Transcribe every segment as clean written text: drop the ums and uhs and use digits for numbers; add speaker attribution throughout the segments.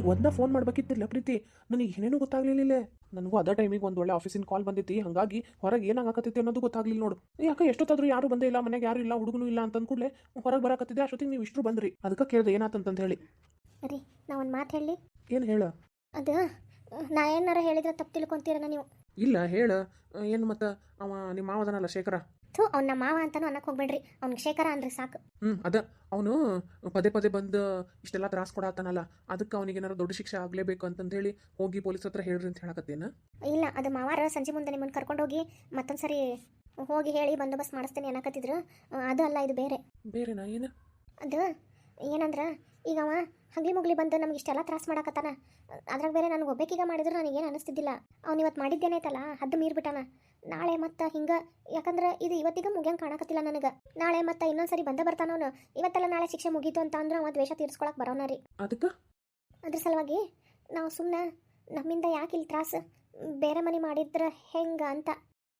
Speaker 1: ಒಂದ ಫೋನ್ ಮಾಡ್ಬೇಕಿತ್ತಿಲ್ಲ ಪ್ರೀತಿ, ನನಗೆ ಏನೇನು ಗೊತ್ತಾಗ್ಲಿಲ್ಲ. ನನಗೂ ಅದೇ ಟೈಮಿಗೆ ಒಂದು ಒಳ್ಳೆ ಆಫೀಸಿನ ಕಾಲ್ ಬಂದೈತಿ, ಹಾಗಾಗಿ ಹೊರಗೆ ಏನಾಗಕತ್ತೈತಿ ಅನ್ನೋದು ಗೊತ್ತಾಗ್ಲಿಲ್ಲ ನೋಡು. ಯಾಕೆ ಎಷ್ಟೊತ್ತಾದ್ರೂ ಯಾರು ಬಂದೇ ಇಲ್ಲ, ಮನೆಗೆ ಯಾರು ಇಲ್ಲ, ಹುಡುಗನು ಇಲ್ಲ ಅಂತ ಅಂದ್ಕೂಡ್ಲೆ ಹೊರಗೆ ಬರಾಕತ್ತಿದ್ದೆ. ಅಷ್ಟೊತ್ತಿಗೆ ನೀವು ಇಷ್ಟರು ಬಂದ್ರಿ, ಅದಕ್ಕೆ ಕೇಳಿದೆ ಏನಾತಂತ ಹೇಳಿ.
Speaker 2: ರೀ ನಾ ಒಂದು ಮಾತು ಹೇಳಿ.
Speaker 1: ಏನು ಹೇಳ?
Speaker 2: ಅದು ನಾ ಏನಾರ ಹೇಳಿದ್ರೆ ತಪ್ಪು ತಿಳ್ಕೊಂತೀರನ ನೀವು?
Speaker 1: ಇಲ್ಲ ಹೇಳ. ಏನು ಮತ್ತೆ ಅವ ನಿಮ್ಮ ಮಾವದನಲ್ಲ ಶೇಖರ?
Speaker 2: ಅವ್ನ ಮಾವ ಅಂತಾನು ಅನ್ನಕ್ಕೆ ಹೋಗ್ಬೇಡ್ರಿ, ಅವ್ನಿಗೆ ಶೇಖರ ಅಂದ್ರೆ ಸಾಕು.
Speaker 1: ಅದ ಅವನು ಪದೇ ಪದೇ ಬಂದು ಇಷ್ಟೆಲ್ಲ ತ್ರಾಸ ಕೊಡತ್ತಾನಲ್ಲ, ಅದಕ್ಕೆ ಅವನಿಗೆ ಏನಾರು ದೊಡ್ಡ ಶಿಕ್ಷೆ ಆಗಲೇಬೇಕು ಅಂತಂದು ಹೇಳಿ ಹೋಗಿ ಪೊಲೀಸ್ ಹತ್ರ ಹೇಳ್ರಿ ಅಂತ ಹೇಳಕತ್ತೇನ?
Speaker 2: ಇಲ್ಲ, ಅದು ಮಾವಾರ ಸಂಜೆ ಮುಂದೆ ನಿಮ್ಮನ್ನು ಕರ್ಕೊಂಡೋಗಿ ಮತ್ತೊಂದು ಸರಿ ಹೋಗಿ ಹೇಳಿ ಬಂದೋಬಸ್ತ್ ಮಾಡಿಸ್ತೇನೆ ಅನ್ನಕತ್ತಿದ್ರು. ಅದು ಅಲ್ಲ, ಇದು ಬೇರೆ.
Speaker 1: ಬೇರೆನಾ? ಏನು
Speaker 2: ಅದು ಏನಂದ್ರೆ, ಈಗ ಅವ ಹಗ್ಲಿ ಮುಗ್ಲಿ ಬಂದು ನಮ್ಗೆ ಇಷ್ಟೆಲ್ಲ ತ್ರಾಸ ಮಾಡಕತ್ತಾನ. ಅದ್ರಾಗ ಬೇರೆ ನನಗೆ ಒಬ್ಬಾಕಿಗ ಮಾಡಿದ್ರು ನನಗೇನು ಅನಿಸ್ತಿದ್ದಿಲ್ಲ. ಅವ್ನು ಇವತ್ತು ಮಾಡಿದ್ದೇನೈತಲ್ಲ, ಹದ್ದು ಮೀರ್ಬಿಟ್ಟಾನ. ನಾಳೆ ಮತ್ತೆ ಹಿಂಗೆ, ಯಾಕಂದ್ರೆ ಇದು ಇವತ್ತಿಗೆ ಮುಗಿಯಂಗೆ ಕಾಣಕತ್ತಿಲ್ಲ ನನಗೆ. ನಾಳೆ ಮತ್ತೆ ಇನ್ನೊಂದ್ಸರಿ ಬಂದ ಬರ್ತಾನ ಅವನು. ಇವತ್ತೆಲ್ಲ ನಾಳೆ ಶಿಕ್ಷೆ ಮುಗೀತು ಅಂತ ಅಂದ್ರೆ ಅವ ದ್ವೇಷ ತೀರ್ಸ್ಕೊಳಕ್ಕೆ ಬರೋನ ರೀ.
Speaker 1: ಅದಕ್ಕೆ
Speaker 2: ಅದ್ರ ಸಲುವಾಗಿ ನಾವು ಸುಮ್ಮನೆ ನಮ್ಮಿಂದ ಯಾಕೆ ಇಲ್ಲಿ ತ್ರಾಸು, ಬೇರೆ ಮನೆ ಮಾಡಿದ್ರೆ ಹೆಂಗೆ ಅಂತ.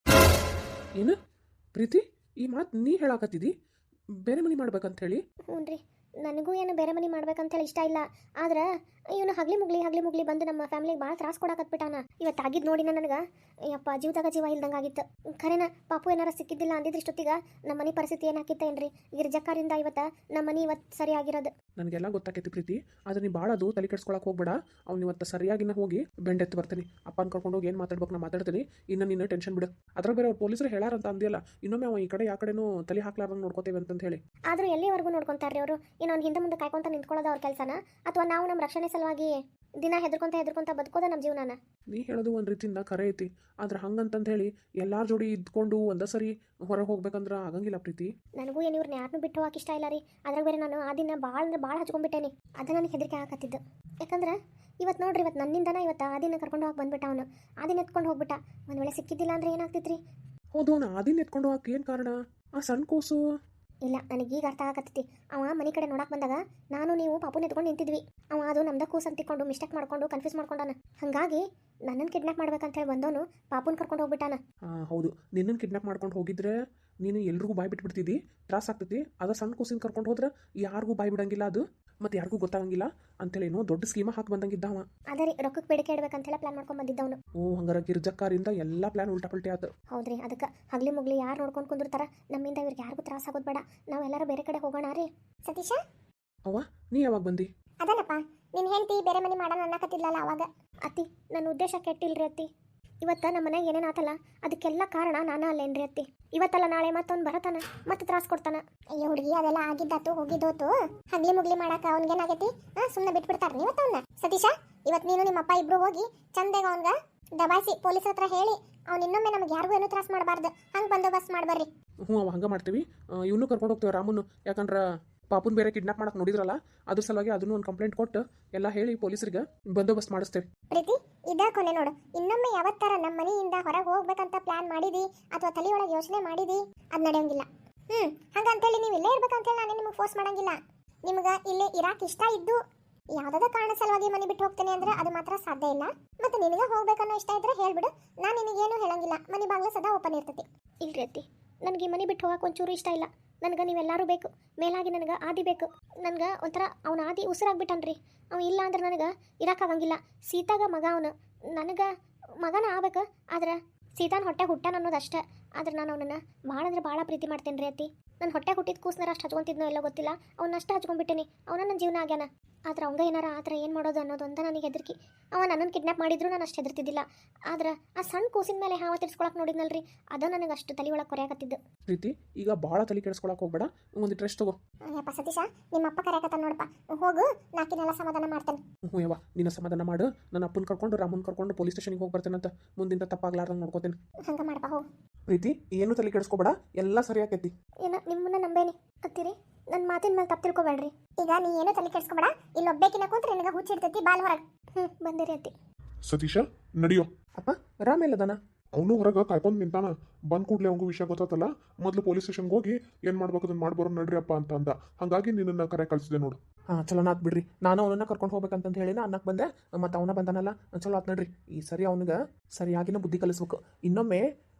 Speaker 1: ಏನು ಪ್ರೀತಿ, ಈ ಮಾತು ನೀ ಹೇಳಾಕತ್ತಿದಿ? ಬೇರೆ ಮನೆ ಮಾಡ್ಬೇಕಂತ ಹೇಳಿ?
Speaker 2: ಹ್ಞೂ ರೀ, ನನಗೂ ಏನು ಬೇರೆ ಮನೆ ಮಾಡ್ಬೇಕಂತೇಳಿ ಇಷ್ಟ ಇಲ್ಲ. ಆದ್ರೆ ಇವನು ಹಗ್ಲಿ ಮುಗ್ಲಿ ಬಂದು ನಮ್ಮ ಫ್ಯಾಮಿಲಿಗೆ ಭಾಳ ತ್ರಾಸ ಕೊಡಕತ್ಬಿಟ್ಟಾನ. ಇವತ್ತು ಆಗಿದ್ದು ನೋಡಿ ನನಗೆ ಯಪ್ಪ ಜೀವದಾಗ ಜೀವ ಇಲ್ದಂಗೆ ಆಗಿತ್ತು. ಖರೇನ ಪಾಪು ಏನಾರ ಸಿಕ್ಕಿದ್ದಿಲ್ಲ ಅಂದಿದ್ರೆ ಇಷ್ಟೊತ್ತಿಗೆ ನಮ್ಮ ಮನೆ ಪರಿಸ್ಥಿತಿ ಏನಾಕಿತ್ತ ಏನ್ರಿ? ಗಿರ್ಜಕ್ಕಾರಿಂದ ಇವತ್ತು ನಮ್ಮ ಮನೆ ಇವತ್ತು ಸರಿ ಆಗಿರೋದು.
Speaker 1: ನನಗೆಲ್ಲ ಗೊತ್ತಾಕೈತಿ ಪ್ರೀತಿ, ಆದ್ರೆ ನೀ ಭಾಳ ಅದು ತಲೆ ಕೆಡ್ಸ್ಕೊಳಕ್ಕೆ ಹೋಗ್ಬೇಡ. ಅವ್ನು ಇವತ್ತು ಸರಿಯಾಗಿನ ಹೋಗಿ ಬೆಂಡೆತ್ತು ಬರ್ತೀನಿ. ಅಪ್ಪನ ಕರ್ಕೊಂಡು ಹೋಗಿ ಏನು ಮಾತಾಡ್ಬೇಕು ನಾ ಮಾತಾಡ್ತೀನಿ. ಇನ್ನು ನೀನು ಟೆನ್ಷನ್ ಬಿಡು. ಅದ್ರ ಬೇರೆ ಅವ್ರು ಪೊಲೀಸರು ಹೇಳಾರಂತ ಅಂದಿಲ್ಲ, ಇನ್ನೊಮ್ಮೆ ಅವ ಈ ಕಡೆ ಯಾವ ಕಡೆನೂ ತಲೆ ಹಾಕ್ಲಾರ್ದಂಗೆ ನೋಡ್ಕೋತೇವೆ ಅಂತ ಹೇಳಿ.
Speaker 2: ಆದರೂ ಎಲ್ಲಿವರೆಗೂ ನೋಡ್ಕೊಂತಾರ್ರಿ ಅವರು? ಇನ್ನೊಂದು ಹಿಂದೆ ಮುಂದೆ ಕಾಯ್ಕೊಂತ ನಿಂತ್ಕೊಳ್ಳೋದು ಅವ್ರ ಕೆಲಸನ, ಅಥವಾ ನಾವು ನಮ್ಮ ರಕ್ಷಣೆ ಸಲುವಾಗಿ ದಿನ ಹೆದರ್ಕೊಂತ ಬದುಕೋದ ನಮ್ಮ ಜೀವನನ?
Speaker 1: ನೀ ಹೇಳೋದು ಒಂದು ರೀತಿಯಿಂದ ಕರೆ ಐತಿ, ಆದ್ರೆ ಹಂಗಂತಂದು ಹೇಳಿ ಎಲ್ಲಾರ ಜೋಡಿ ಇದ್ಕೊಂಡು ಒಂದೇ ಸರಿ ಹೊರಗೆ ಹೋಗ್ಬೇಕಂದ್ರೆ ಆಗಂಗಿಲ್ಲ ಪ್ರೀತಿ. ನನಗೂ
Speaker 2: ಏನು ಇವ್ರನ್ನ ಯಾರನ್ನೂ ಬಿಟ್ಟು ಹೋಗಕ್ಕೆ ಇಷ್ಟ ಇಲ್ಲ ರೀ. ಅದ್ರಾಗ ಬೇರೆ ನಾನು ಆ ದಿನ ಭಾಳ ಅಂದ್ರೆ ಭಾಳ ಹಚ್ಕೊಂಡ್ಬಿಟ್ಟೇನಿ. ಅದು ನನಗೆ ಹೆದರಿಕೆ ಆಗತ್ತಿದ್ದು. ಯಾಕಂದ್ರೆ ಇವತ್ತು ನೋಡ್ರಿ, ಇವತ್ತು ನನ್ನಿಂದನ ಇವತ್ತು ಆ ದಿನ ಕರ್ಕೊಂಡು ಹೋಗಿ ಬಂದ್ಬಿಟ್ಟ ಅವನು. ಆ ದಿನ ಎತ್ಕೊಂಡು ಹೋಗ್ಬಿಟ್ಟ. ಒಂದು ವೇಳೆ ಸಿಕ್ಕಿದ್ದಿಲ್ಲ ಅಂದ್ರೆ ಏನಾಗ್ತಿತ್ರಿ?
Speaker 1: ಹೌದು, ಅವನು ಆ ದಿನ ಎತ್ಕೊಂಡು ಹೋಗಕ್ಕೆ ಏನು ಕಾರಣ? ಆ ಸಣ್ಣ ಕೂಸು?
Speaker 2: ಇಲ್ಲ, ನನಗೀಗ ಅರ್ಥ ಆಗತ್ತೈತಿ. ಅವ ಮನೆ ಕಡೆ ನೋಡಕ್ಕೆ ಬಂದಾಗ ನಾನು ನೀವು ಪಾಪುನ ಎತ್ಕೊಂಡು ನಿಂತಿದ್ವಿ. ಅವ ಅದು ನಮ್ದ ಕೂಸು ಅಂತಿಕೊಂಡು ಮಿಸ್ಟೇಕ್ ಮಾಡ್ಕೊಂಡು ಕನ್ಫ್ಯೂಸ್ ಮಾಡ್ಕೊಂಡಾನ. ಹಾಗಾಗಿ ನನ್ನನ್ನು ಕಿಡ್ನಾಪ್ ಮಾಡ್ಬೇಕಂತ ಹೇಳಿ ಬಂದವನು ಪಾಪುನ ಕರ್ಕೊಂಡು ಹೋಗ್ಬಿಟ್ಟಾನ.
Speaker 1: ಹೌದು, ನಿನ್ನನ್ನು ಕಿಡ್ನಾಪ್ ಮಾಡ್ಕೊಂಡು ಹೋಗಿದ್ರೆ ನೀನು ಎಲ್ರಿಗೂ ಬಾಯ್ ಬಿಟ್ಬಿಡ್ತಿದ್ದಿ, ತ್ರಾಸ ಆಗ್ತೈತಿ. ಅದ ಸಣ್ಣ ಕೂಸಿನ ಕರ್ಕೊಂಡು ಹೋದ್ರೆ ಯಾರಿಗೂ ಬಾಯ್ ಬಿಡಂಗಿಲ್ಲ, ಅದು ಮತ್ತೆ ಯಾರಿಗೂ ಗೊತ್ತಾಗಂಗಿಲ್ಲ ಅಂತೇಳಿ ಏನೋ ದೊಡ್ಡ ಸ್ಕೀಮ ಹಾಕಿ ಬಂದಂಗಿದ್ದವ.
Speaker 2: ಅದೇ ರೀ, ರೊಕ್ಕಕ್ಕೆ ಬೇಡಿಕೆ ಇಡ್ಬೇಕಂತೆಲ್ಲ ಪ್ಲಾನ್ ಮಾಡ್ಕೊಂಡು ಬಂದಿದ್ದವನು.
Speaker 1: ಹಂಗಾರ ಗಿರ್ಜಕ್ಕಾರಿಂದ ಎಲ್ಲ ಪ್ಲಾನ್ ಉಲ್ಟಾ ಪಲ್ಟಿ ಆಯ್ತು.
Speaker 2: ಹೌದ್ರಿ, ಅದಕ್ಕೆ ಹಗ್ಲಿ ಮುಗ್ಲಿ ಯಾರು ನೋಡ್ಕೊಂಡು ಕುಂದಿರ್ತಾರ, ನಮ್ಮಿಂದ ಇವ್ರಿಗೆ ಯಾರಿಗೂ ತ್ರಾಸ ಆಗೋದು ಬೇಡ. ನಾವು ಎಲ್ಲರೂ ಬೇರೆ ಕಡೆ ಹೋಗೋಣ ರೀ. ಸತೀಶ,
Speaker 1: ಅವ್ವ ನೀ ಯಾವಾಗ ಬಂದಿ?
Speaker 2: ಅದಲ್ಲಪ್ಪ, ನಿನ್ನ ಹೆಂಡತಿ ಬೇರೆ ಮನೆ ಮಾಡೋಣ ಅನ್ನಕತ್ತಿದ್ಲಲ್ಲ ಅವಾಗ. ಅತ್ತಿ, ನನ್ನ ಉದ್ದೇಶ ಕೆಟ್ಟಿಲ್ರಿ ಅತ್ತಿ. ಇವತ್ತು ನಮ್ಮ ಮನೆಗೆ ಏನೇನು ಆತಲ್ಲ ಅದಕ್ಕೆಲ್ಲ ಕಾರಣ ನಾನು ಅಲ್ಲೇನ್ರಿ ಅತ್ತಿ. ಇವತ್ತಲ್ಲ ನಾಳೆ ಮತ್ತೊಂದು ಬರತಾನ, ಮತ್ತೆ ತ್ರಾಸ ಕೊಡ್ತಾನ. ಅಯ್ಯೋ ಹುಡುಗಿ, ಅದೆಲ್ಲ ಆಗಿದ್ದಾತು ಹೋಗಿದ್ದೋತು. ಹಗ್ಲಿ ಮುಗ್ಲಿ ಮಾಡಾಕ ಅವ್ನಿಗೇನಾಗೈತಿ? ಸುಮ್ಮನೆ ಬಿಟ್ಬಿಡ್ತಾರ ಇವತ್ತು ಅವನ್ನ. ಸತೀಶ, ಇವತ್ತು ನೀನು ನಿಮ್ಮ ಅಪ್ಪ ಇಬ್ರು ಹೋಗಿ ಚಂದಾಗ ಅವನ್ಗ ದಬಾಯಿಸಿ ಪೊಲೀಸ್ ಹತ್ರ ಹೇಳಿ ಅವ್ನು ಇನ್ನೊಮ್ಮೆ ನಮ್ಗೆ ಯಾರಿಗೂ ಏನೂ ತ್ರಾಸ ಮಾಡಬಾರ್ದು, ಹಂಗೆ ಬಂದೋಬಸ್ತ್ ಮಾಡ್ಬರ್ರಿ.
Speaker 1: ಅವ ಹಂಗೆ ಮಾಡ್ತೀವಿ. ಇವನು ಕರ್ಕೊಂಡು ಹೋಗ್ತೇವೆ ರಾಮನ್ನು, ಯಾಕಂದ್ರೆ ಪಾಪುನ್ ಬೇರೆ ಕಿಡ್ನಾಪ್ ಮಾಡಕ್ಕೆ ನೋಡಿದ್ರಲ್ಲ, ಅದ್ರ ಸಲುವಾಗಿ ಅದನ್ನು ಒಂದು ಕಂಪ್ಲೇಂಟ್ ಕೊಟ್ಟು ಎಲ್ಲ ಹೇಳಿ ಪೊಲೀಸರಿಗೆ ಬಂದೋಬಸ್ತ್ ಮಾಡಿಸ್ತೇವೆ.
Speaker 2: ಪ್ರೀತಿ, ಇದ ಕೊನೆ ನೋಡು. ಇನ್ನೊಮ್ಮೆ ಯಾವತ್ತರ ನಮ್ಮ ಮನೆಯಿಂದ ಹೊರಗೆ ಹೋಗ್ಬೇಕಂತ ಪ್ಲಾನ್ ಮಾಡಿದಿ ಅಥವಾ ತಲೆಯೊಳಗೆ ಯೋಚನೆ ಮಾಡಿದಿ, ಅದು ನಡೆಯಂಗಿಲ್ಲ. ಹಂಗಂತೇಳಿ ನೀವು ಇಲ್ಲೇ ಇರ್ಬೇಕಂತೇಳಿ ನಾನು ನಿಮಗೆ ಫೋರ್ಸ್ ಮಾಡಂಗಿಲ್ಲ. ನಿಮ್ಗೆ ಇಲ್ಲೇ ಇರಾಕ್ ಇಷ್ಟ ಇದ್ದು ಯಾವುದಾದ ಕಾರಣ ಸಲುವಾಗಿ ಮನೆ ಬಿಟ್ಟು ಹೋಗ್ತೇನೆ ಅಂದ್ರೆ ಅದು ಮಾತ್ರ ಸಾಧ್ಯ ಇಲ್ಲ. ಮತ್ತೆ ನಿನಗೆ ಹೋಗ್ಬೇಕನ್ನೋ ಇಷ್ಟ ಇದ್ರೆ ಹೇಳ್ಬಿಡು, ನಾನು ನಿನಗೇನು ಹೇಳಂಗಿಲ್ಲ. ಮನೆ ಬಾಗಿಲು ಸದಾ ಓಪನ್ ಇರ್ತೈತಿ. ಇಲ್ರಿ ಅತ್ತಿ, ನನಗೆ ಮನೆ ಬಿಟ್ಟು ಹೋಗಕ್ಕೆ ಒಂಚೂರು ಇಷ್ಟ ಇಲ್ಲ. ನನಗೆ ನೀವೆಲ್ಲರೂ ಬೇಕು, ಮೇಲಾಗಿ ನನಗೆ ಆದಿ ಬೇಕು. ನನಗೆ ಒಂಥರ ಅವನ ಆದಿ ಉಸಿರಾಗ್ಬಿಟ್ಟನ್ರಿ. ಅವ ಇಲ್ಲ ಅಂದ್ರೆ ನನಗೆ ಇರೋಕ್ಕಾಗಂಗಿಲ್ಲ. ಸೀತಾಗ ಮಗ ಅವನು, ನನಗೆ ಮಗನ ಆಗ್ಬೇಕು. ಆದ್ರೆ ಸೀತಾನ ಹೊಟ್ಟೆ ಹುಟ್ಟಾನ ಅನ್ನೋದು ಅಷ್ಟೇ. ಆದ್ರೆ ನಾನು ಅವನನ್ನು ಭಾಳ ಅಂದ್ರೆ ಭಾಳ ಪ್ರೀತಿ ಮಾಡ್ತೇನೆ ರೀ ಅತ್ತಿ. ನನ್ನ ಹೊಟ್ಟೆ ಹುಟ್ಟಿದ ಕೂಸ್ನಾರ ಅಷ್ಟು ಹಚ್ಕೊಂತಿದ್ನೋ ಎಲ್ಲೋ ಗೊತ್ತಿಲ್ಲ, ಅವನಷ್ಟು ಹಚ್ಕೊಂಡ್ಬಿಟ್ಟೇನಿ. ಅವನ ನನ್ನ ಜೀವನ ಆಗ್ಯಾನ. ಆದ್ರೆ ಅವಂಗ ಏನಾರ ಆದ್ರೆ ಏನು ಮಾಡೋದು ಅನ್ನೋದು ಅಂತ ನನಗೆ ಹೆದರಿಕೆ. ಅವ ನನ್ನನ್ನು ಕಿಡ್ನಾಪ್ ಮಾಡಿದ್ರು ನಾನು ಅಷ್ಟು ಹೆದರ್ತಿದ್ದಿಲ್ಲ. ಆದ್ರೆ ಆ ಸಣ್ಣ ಕೂಸಿನ ಮೇಲೆ ಹಾವ ತಿರ್ಸ್ಕೊಳಕ್ಕೆ ನೋಡಿದ್ನಲ್ರಿ, ಅದು ನನಗೆ ಅಷ್ಟು ತಲೆ ಒಳಗೆ ಕೊರೆಯಾಕತ್ತಿದ್ದು.
Speaker 1: ಪ್ರೀತಿ, ಈಗ ಭಾಳ ತಲೆ ಕೆಡಿಸ್ಕೊಳಕ್ಕೆ ಹೋಗ್ಬೇಡ, ಒಂದು ಡ್ರೆಸ್ ತಗೋ.
Speaker 2: ಯಪ್ಪ ಸತೀಶ, ನಿಮ್ಮ ಅಪ್ಪ ಕರೆಯಕತ್ತ ನೋಡಪ್ಪ, ಹೋಗು, ನಾಕಿನೆಲ್ಲ ಸಮಾಧಾನ ಮಾಡ್ತೇನೆ.
Speaker 1: ಯವ್ವ, ನಿನ್ನ ಸಮಾಧಾನ ಮಾಡು. ನನ್ನ ಅಪ್ಪನ ಕರ್ಕೊಂಡು ರಾಮನ್ ಕರ್ಕೊಂಡು ಪೊಲೀಸ್ ಸ್ಟೇಷನ್ಗೆ ಹೋಗಿ ಬರ್ತೇನಂತ, ಮುಂದಿಂದ ತಪ್ಪಾಗ್ಲಾರ್ದಂಗೆ ನೋಡ್ಕೋತೇನೆ.
Speaker 2: ಹಂಗೆ ಮಾಡಪ್ಪ, ಹೋಗು.
Speaker 1: ಪ್ರೀತಿ, ಏನು ತಲೆ ಕೆಡಿಸ್ಕೊಬೇಡ, ಎಲ್ಲ ಸರಿ ಆಕೈತಿ.
Speaker 2: ಏನೋ ನಿಮ್ಮನ್ನ ನಂಬೇನಿ ಅತ್ತೀರಿ, ನನ್ನ ಮಾತಿನ ಮೇಲೆ ತಪ್ಪು ತಿಳ್ಕೊಬೇಡ್ರಿ. ಈಗ ನೀ ಏನೋ ತಲೆ ಕೆಡಿಸ್ಕೊಬೇಡ. ಇಲ್ಲಿ ಒಬ್ಬೇಕಿನ ಕೂತ್ರೆ ನಿನಗೆ ಹುಚ್ಚಿರ್ತೈತಿ, ಬಾಲ್ ಹೊರಗೆ. ಬಂದಿರಿ ಅತ್ತಿ.
Speaker 3: ಸತೀಶ, ನಡಿಯೋ.
Speaker 1: ಅಪ್ಪ, ರಾಮ ಎಲ್ಲದಾನ?
Speaker 3: ಅವನು ಹೊರಗೆ ಕಾಯ್ಕೊಂಡು ನಿಂತಾನ. ಬಂದ್ ಕೂಡಲೇ ಅವನಿಗೂ ವಿಷಯ ಗೊತ್ತಾತಲ್ಲ, ಮೊದಲು ಪೊಲೀಸ್ ಸ್ಟೇಷನ್ಗೆ ಹೋಗಿ ಏನು ಮಾಡ್ಬೇಕು ಅದನ್ನ ಮಾಡ್ಬರೋ ನಡ್ರಿ ಅಪ್ಪ ಅಂತ ಅಂದ. ಹಾಗಾಗಿ ನಿನ್ನನ್ನು ಕರೆ ಕಳಿಸಿದೆ ನೋಡು.
Speaker 1: ಚಲೋ ಆತ್ ಬಿಡ್ರಿ. ನಾನು ಅವನನ್ನ ಕರ್ಕೊಂಡು ಹೋಗ್ಬೇಕಂತ ಹೇಳಿ ಅನ್ನಕ್ಕೆ ಬಂದೆ, ಮತ್ತು ಅವನ ಬಂದಾನಲ್ಲ, ಚಲೋ ಆತ್ ನಡ್ರಿ. ಈ ಸರಿ ಅವನಿಗೆ ಸರಿಯಾಗಿನ ಬುದ್ಧಿ ಕಲಿಸ್ಬೇಕು. ಇನ್ನೊಮ್ಮೆ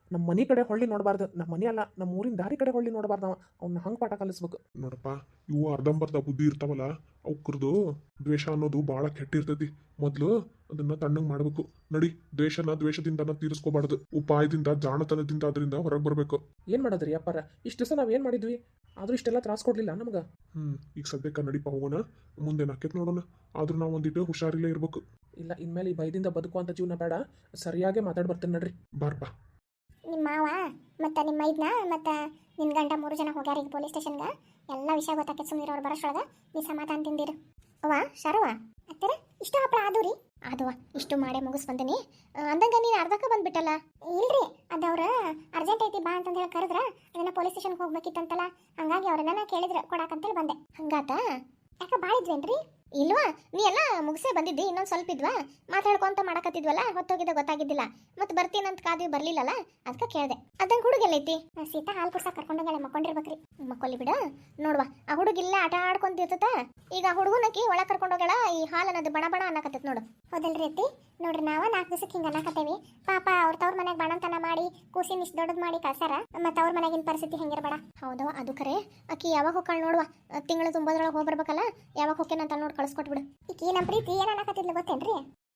Speaker 1: ನಮ್ಮ ಮನೆ ಕಡೆ ಹೊಳ್ಳಿ ನೋಡಬಾರ್ದು, ನಮ್ಮ ಮನೆ ಅಲ್ಲ ನಮ್ಮ ಊರಿನ ದಾರಿ ಕಡೆ ಹೊಳ್ಳಿ ನೋಡಬಾರ್ದು. ಅವ್ನ ಹಂಗೆ ಪಾಠ ಕಲಿಸ್ಬೇಕು.
Speaker 3: ನೋಡಪ್ಪ, ಇವು ಅರ್ಧಂಬರ್ಧ ಬುದ್ಧಿ ಇರ್ತಾವಲ್ಲ, ಅವ್ಕರ್ದು ದ್ವೇಷ ಅನ್ನೋದು ಭಾಳ ಕೆಟ್ಟಿರ್ತೈತಿ. ಮೊದಲು ಅದನ್ನ ತಣ್ಣಗೆ ಮಾಡ್ಬೇಕು. ನಡಿ, ದ್ವೇಷದಿಂದನ ತೀರಿಸ್ಕೋಬಾರ್ದು, ಉಪಾಯದಿಂದ, ಜಾಣತನದಿಂದ ಅದರಿಂದ ಹೊರಗೆ ಬರ್ಬೇಕು.
Speaker 1: ಏನು ಮಾಡೋದ್ರಿ ಅಪ್ಪಾರ, ಇಷ್ಟು ದಿವಸ ನಾವೇನು ಮಾಡಿದ್ವಿ, ಆದ್ರೂ ಇಷ್ಟೆಲ್ಲ ತ್ರಾಸ ಕೊಡ್ಲಿಲ್ಲ ನಮ್ಗೆ.
Speaker 3: ಈಗ ಸದ್ಯಕ್ಕೆ ನಡಿಪ ಹೋಗೋಣ, ಮುಂದೆ ನಾಕೇತ್ ನೋಡೋಣ. ಆದ್ರೂ ನಾವು ಒಂದಿಟ್ಟು ಹುಷಾರಿಲ್ಲೇ ಇರ್ಬೇಕು.
Speaker 1: ಇಲ್ಲ, ಇನ್ಮೇಲೆ ಈ ಭಯದಿಂದ ಬದುಕುವಂಥ ಜೀವನ ಬೇಡ, ಸರಿಯಾಗಿ ಮಾತಾಡಿ ಬರ್ತೇನೆ ನಡ್ರಿ.
Speaker 3: ಬಾರ್ಪ.
Speaker 2: ನಿಮ್ಮ ಮಾವ ಮತ್ತು ನಿಮ್ಮ ಮೈದ್ನ ಮತ್ತು ನಿನ್ನ ಗಂಡ 3 ಜನ ಹೋಗ್ಯಾರ ಈಗ ಪೊಲೀಸ್ ಸ್ಟೇಷನ್ಗೆ. ಎಲ್ಲ ವಿಷಯ ಗೊತ್ತಾಕೈತೆ, ಸುಮ್ಮನೆ ಅವ್ರು ಬರೋಷ್ರೊಳಗೆ ನೀ ಸಮಾಧಾನ ತಿಂದಿರು. ಅವ್ವ ಶರವ ಅತ್ತರ ಇಷ್ಟು ಹಪ್ಪಳ ಆದು ರೀ? ಆದವ, ಇಷ್ಟು ಮಾಡೇ ಮುಗಿಸ್ ಬಂದೀನಿ. ಅಂದಂಗೆ ನೀನು ಅರ್ಧಕ್ಕೆ ಬಂದ್ಬಿಟ್ಟಲ್ಲ? ಇಲ್ರಿ, ಅದವ್ರ ಅರ್ಜೆಂಟ್ ಐತಿ ಬಾ ಅಂತಂದು ಹೇಳಿ ಕರೆದ್ರ, ಅದನ್ನ ಪೊಲೀಸ್ ಸ್ಟೇಷನ್ಗೆ ಹೋಗ್ಬೇಕಿತ್ತಂತಲ್ಲ, ಹಂಗಾಗಿ ಅವ್ರನ್ನ ಕೇಳಿದ್ರೆ ಕೊಡಾಕಂತೇಳಿ ಬಂದೆ. ಹಂಗಾತ? ಯಾಕೆ ಭಾಳ ಇದ್ವೇನ್ರಿ? ಇಲ್ವಾ, ನೀ ಎಲ್ಲ ಮುಗಿಸೇ ಬಂದಿದ್ದಿ, ಇನ್ನೊಂದು ಸ್ವಲ್ಪ ಇದ್ವಾ, ಮಾತಾಡ್ಕೊಂತ ಮಾಡಕತ್ತಿದ್ವಲ್ಲ, ಹೊತ್ತೋಗಿದ್ದ ಗೊತ್ತಾಗಿದ್ದಿಲ್ಲ. ಮತ್ತೆ ಬರ್ತೀನಂತ ಕಾದ್ವಿ, ಬರ್ಲಿಲ್ಲಲ್ಲ, ಅದಕ್ಕೆ ಕೇಳಿದೆ. ಅದಂಗೆ ಹುಡುಗೆಲ್ಲೈತಿ? ಸೀತಾ ಹಾಲು ಕುಡ್ಸಕ್ಕೆ ಕರ್ಕೊಂಡೋಗಳೆ, ಮಕ್ಕೊಂಡಿರ್ಬೇಕ್ರಿ. ಮಕ್ಕೊಲ್ಲಿ ಬಿಡ. ನೋಡ್ವಾ, ಆ ಹುಡುಗಿಲ್ಲ ಆಟ ಆಡ್ಕೊಂತಿರ್ತತ. ಈಗ ಆ ಹುಡುಗನಕಿ ಒಳಗೆ ಕರ್ಕೊಂಡೋಗಳ, ಈ ಹಾಲು ಅನ್ನೋದು ಬಣ ಬಣ ಅನ್ನಕತ್ತೈತೆ ನೋಡು. ಹೌದಲ್ರಿ ಅತ್ತಿ? ನೋಡ್ರಿ, ನಾವು 4 ದಿವಸಕ್ಕೆ ಹಿಂಗೆ ಅನ್ನಕತ್ತೇವಿ. ಪಾಪ ತವ್ರ ಮನೆಗೆ ಬಣಂತನ ಮಾಡಿ ಕೂಸಿನ ಇಷ್ಟು ದೊಡ್ಡದು ಮಾಡಿ ಕಳ್ಸಾರ. ಮತ್ತು ಅವ್ರ ಮನೆಗಿನ ಪರಿಸ್ಥಿತಿ ಹೆಂಗಿರ್ಬೇಡ. ಹೌದವ, ಅದು ಖರೆ. ಆಕಿ ಯಾವಾಗ ಹೋಗ್ಕಾಳ ನೋಡುವ, ತಿಂಗಳು ತುಂಬೋದ್ರೊಳಗೆ ಹೋಗ್ಬರ್ಬೇಕಲ್ಲ, ಯಾವಾಗ ಹೋಗ್ಕೇನಂತ ನೋಡಿ ಕಳ್ಸ್ಕೊಟ್ಬಿಡು. ಈಕಿ ನಮ್ಮ ಪ್ರೀತಿ ಏನು ಅನ್ನಕತ್ತಿದ್ಲು ಗೊತ್ತೇನ್ರಿ?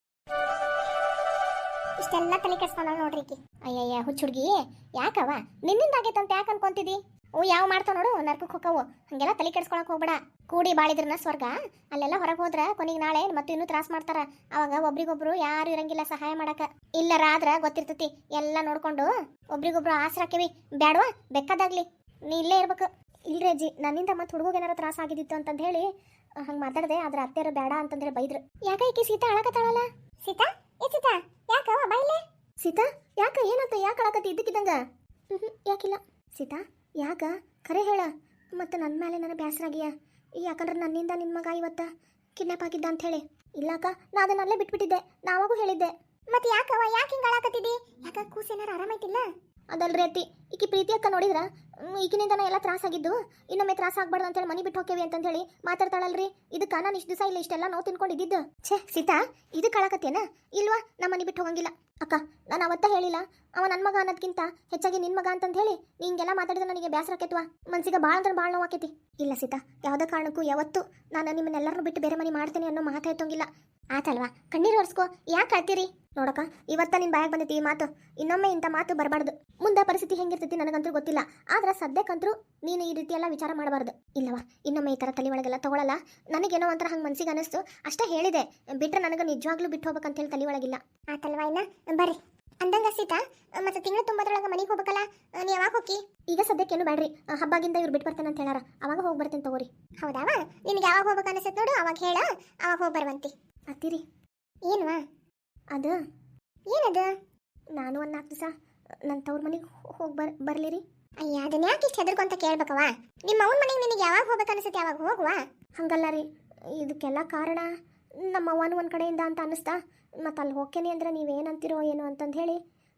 Speaker 2: ಇಷ್ಟೆಲ್ಲ ತಲೆ ಕೆಡ್ಸ್ಕೊಂಡವ್ ನೋಡ್ರಿ ಈಕಿ. ಅಯ್ಯಯ್ಯ ಹುಚ್ಚ ಹುಡುಗಿ, ಯಾಕವ ನಿನ್ನಿಂದ ಆಗೈತಂತ ಯಾಕೆ ಅನ್ಕೊಂತಿದಿ? ಯಾವ ಮಾಡ್ತಾವ ನೋಡು, ನರ್ಕಕ್ಕೆ ಹೋಗವು. ಹಂಗೆಲ್ಲ ತಲೆ ಕೆಡ್ಸ್ಕೊಳಕ್ ಹೋಗ್ಬೇಡ. ಕೂಡಿ ಬಾಳಿದ್ರನ ಸ್ವರ್ಗ, ಅಲ್ಲೆಲ್ಲ ಹೊರಗೆ ಹೋದ್ರ ಕೊನೆಗೆ ನಾಳೆ ಮತ್ತೆ ಇನ್ನೂ ತ್ರಾಸ ಮಾಡ್ತಾರ. ಅವಾಗ ಒಬ್ರಿಗೊಬ್ರು ಯಾರು ಇರಂಗಿಲ್ಲ ಸಹಾಯ ಮಾಡಕ. ಇಲ್ಲರಾದ್ರ ಗೊತ್ತಿರ್ತತಿ, ಎಲ್ಲ ನೋಡ್ಕೊಂಡು ಒಬ್ರಿಗೊಬ್ರು ಆಸರಾಕೇವಿ. ಬ್ಯಾಡ್ವಾ, ಬೇಕಾದಾಗ್ಲಿ ನೀ ಇಲ್ಲೇ ಇರ್ಬೇಕು. ಇಲ್ರಿ ಅಜ್ಜಿ, ನನ್ನಿಂದ ಮತ್ತೆ ಹುಡುಗ ಏನಾರ ತ್ರಾಸ ಆಗಿದ್ದಿತ್ತು ಅಂತಂದು ಹೇಳಿ ಹಂಗೆ ಮಾತಾಡಿದೆ. ಆದ್ರೆ ಅತ್ತೆಯರು ಬೇಡ ಅಂತಂದ್ರೆ ಬೈದ್ರು. ಯಾಕ ಈಕಿ ಸೀತಾ ಅಳಕತ್ತಾಳಲ್ಲ? ಸೀತಾ, ಸೀತಾ ಯಾಕವ ಬೈಲೆ? ಸೀತಾ ಯಾಕ, ಏನಂತ ಯಾಕೆ ಅಳಕತ್ತಿ ಇದ್ದಕ್ಕಿದ್ದಂಗ? ಯಾಕಿಲ್ಲ. ಸೀತಾ ಯಾಕ ಖರೆ ಹೇಳ, ಮತ್ತು ನನ್ನ ಮೇಲೆ ನನಗೆ ಬೇಸರಾಗಿಯ? ಯಾಕಂದ್ರೆ ನನ್ನಿಂದ ನಿನ್ನ ಮಗ ಇವತ್ತ ಕಿಡ್ನಾಪ್ ಆಗಿದ್ದ ಅಂತ ಹೇಳಿ. ಇಲ್ಲಕ್ಕ, ನಾ ಅದನ್ನಲ್ಲೇ ಬಿಟ್ಬಿಟ್ಟಿದ್ದೆ, ನಾವಾಗೂ ಹೇಳಿದ್ದೆ. ಮತ್ತೆ ಯಾಕವ, ಯಾಕೆ ಹಿಂಗೆ ಅಳಕತ್ತಿದ್ದಿ? ಯಾಕ ಕೂಸೇನಾರು ಆರಾಮೈತಿಲ್ಲ? ಅದಲ್ರಿ ಅತ್ತಿ, ಈಕಿ ಪ್ರೀತಿ ಅಕ್ಕ ನೋಡಿದ್ರ ಈಗಿನಿಂದನ ಎಲ್ಲ ತ್ರಾಸ ಆಗಿದ್ದು, ಇನ್ನೊಮ್ಮೆ ತ್ರಾಸ ಆಗ್ಬಾರ್ದು ಅಂತೇಳಿ ಮನೆ ಬಿಟ್ಟು ಹೋಗ್ತೇವೆ ಅಂತ ಹೇಳಿ ಮಾತಾಡ್ತಾಳಲ್ರಿ. ಇದಕ್ಕೆ ನಾನು ಇಷ್ಟು ದಿವಸ ಇಲ್ಲ ಇಷ್ಟೆಲ್ಲ ನೋವು ತಿನ್ಕೊಂಡಿದ್ದು. ಛೇ ಸೀತಾ, ಇದಕ್ಕೆ ಅಳಕತ್ತೇನ? ಇಲ್ವಾ, ನಮ್ಮ ಮನೆ ಬಿಟ್ಟು ಹೋಗಂಗಿಲ್ಲ. ಅಕ್ಕ, ನಾನು ಅವತ್ತ ಹೇಳಿಲ್ಲ ಅವ ನನ್ನ ಮಗ ಅನ್ನೋದಕ್ಕಿಂತ ಹೆಚ್ಚಾಗಿ ನಿನ್ನ ಮಗ ಅಂತಂದು ಹೇಳಿ ನೀ ಹಿಂಗೆಲ್ಲ ಮಾತಾಡಿದ್ರೆ ನನಗೆ ಬೇಸರ ಆಕೈತ್ವಾ, ಮನ್ಸಿಗೆ ಭಾಳ ಅಂದ್ರೆ ಭಾಳ ನೋವಾಕೈತಿ. ಇಲ್ಲ ಸೀತಾ, ಯಾವುದೇ ಕಾರಣಕ್ಕೂ ಯಾವತ್ತೂ ನಾನು ನಿಮ್ಮನ್ನೆಲ್ಲರನ್ನೂ ಬಿಟ್ಟು ಬೇರೆ ಮನೆ ಮಾಡ್ತೇನೆ ಅನ್ನೋ ಮಾತಾಯ್ತಂಗಿಲ್ಲ. ಆತಲ್ವಾ, ಕಣ್ಣೀರು ಒರೆಸ್ಕೋ, ಯಾಕೆ ಅಳ್ತೀರಿ? ನೋಡಕ್ಕ, ಇವತ್ತ ನಿನ್ನ ಬಾಯಾಗ ಬಂದೈತಿ ಈ ಮಾತು, ಇನ್ನೊಮ್ಮೆ ಇಂಥ ಮಾತು ಬರಬಾರ್ದು. ಮುಂದೆ ಪರಿಸ್ಥಿತಿ ಹೆಂಗಿರ್ತೈತಿ ನನಗಂತೂ ಗೊತ್ತಿಲ್ಲ, ಆದ್ರೆ ಸದ್ಯಕ್ಕಂತರೂ ನೀನು ಈ ರೀತಿ ಎಲ್ಲ ವಿಚಾರ ಮಾಡಬಾರ್ದು. ಇಲ್ಲವಾ, ಇನ್ನೊಮ್ಮೆ ಈ ಥರ ತಲೆ ಒಳಗೆಲ್ಲ ತಗೊಳ್ಳಲ್ಲ. ನನಗೇನೋ ಒಂಥರ ಹಂಗೆ ಮನ್ಸಿಗೆ ಅನಿಸ್ತು ಅಷ್ಟೇ ಹೇಳಿದೆ, ಬಿಟ್ಟರೆ ನನಗೆ ನಿಜವಾಗ್ಲೂ ಬಿಟ್ಟು ಹೋಗ್ಬೇಕಂತ ಹೇಳಿ ತಲೆ ಒಳಗಿಲ್ಲ. ಆತಲ್ವಾ, ಇನ್ನ ಬರ್ರಿ. ಅಂದಂಗ ಸೀತಾ, ಮತ್ತೆ ತಿಂಗಳು ತುಂಬದ್ರೊಳಗೆ ಮನೆಗೆ ಹೋಗ್ಬೇಕಲ್ಲ, ನೀ ಯಾವಾಗ ಹೋಗಿ? ಈಗ ಸದ್ಯಕ್ಕೇನು ಬೇಡ್ರಿ, ಹಬ್ಬಾಗಿಂದ ಇವ್ರು ಬಿಟ್ಟು ಬರ್ತೇನೆ ಅಂತ ಹೇಳಾರ, ಅವಾಗ ಹೋಗಿ ಬರ್ತೇನೆ ತಗೋರಿ. ಹೌದಾವ, ನಿನಗೆ ಯಾವಾಗ ಹೋಗ್ಬೇಕು ಅನಿಸುತ್ತೆ ನೋಡು, ಅವಾಗ ಹೇಳ, ಅವಾಗ ಹೋಗಿ ಬರುವಂತಿ. ಅತ್ತಿರಿ ಏನ್ವಾ ಅದು? ಏನದು? ನಾನು ಒಂದು 4 ದಿವಸ ನನ್ನ ತವ್ರ ಮನೆಗೆ ಹೋಗಿ ಬರ್ಲಿರಿ. ಅಯ್ಯ, ಅದನ್ನ ಯಾಕೆ ಇಷ್ಟು ಹೆದರ್ಕೊಂತ ಕೇಳ್ಬೇಕವ? ನಿಮ್ಮ ಅವ್ನ ಮನೆಗೆ ನಿನಗೆ ಯಾವಾಗ ಹೋಗ್ಬೇಕು ಅನಿಸುತ್ತೆ ಯಾವಾಗ ಹೋಗುವ? ಹಂಗಲ್ಲ ರೀ, ಇದಕ್ಕೆಲ್ಲ ಕಾರಣ ನಮ್ಮ ಅವ್ವನ ಒಂದು ಕಡೆಯಿಂದ ಅಂತ ಅನ್ನಿಸ್ತಾ, ಮತ್ತು ಅಲ್ಲಿ ಹೋಗ್ತೇನೆ ಅಂದ್ರೆ ನೀವೇನಂತೀರೋ ಏನೋ ಅಂತಂದು ಹೇಳಿ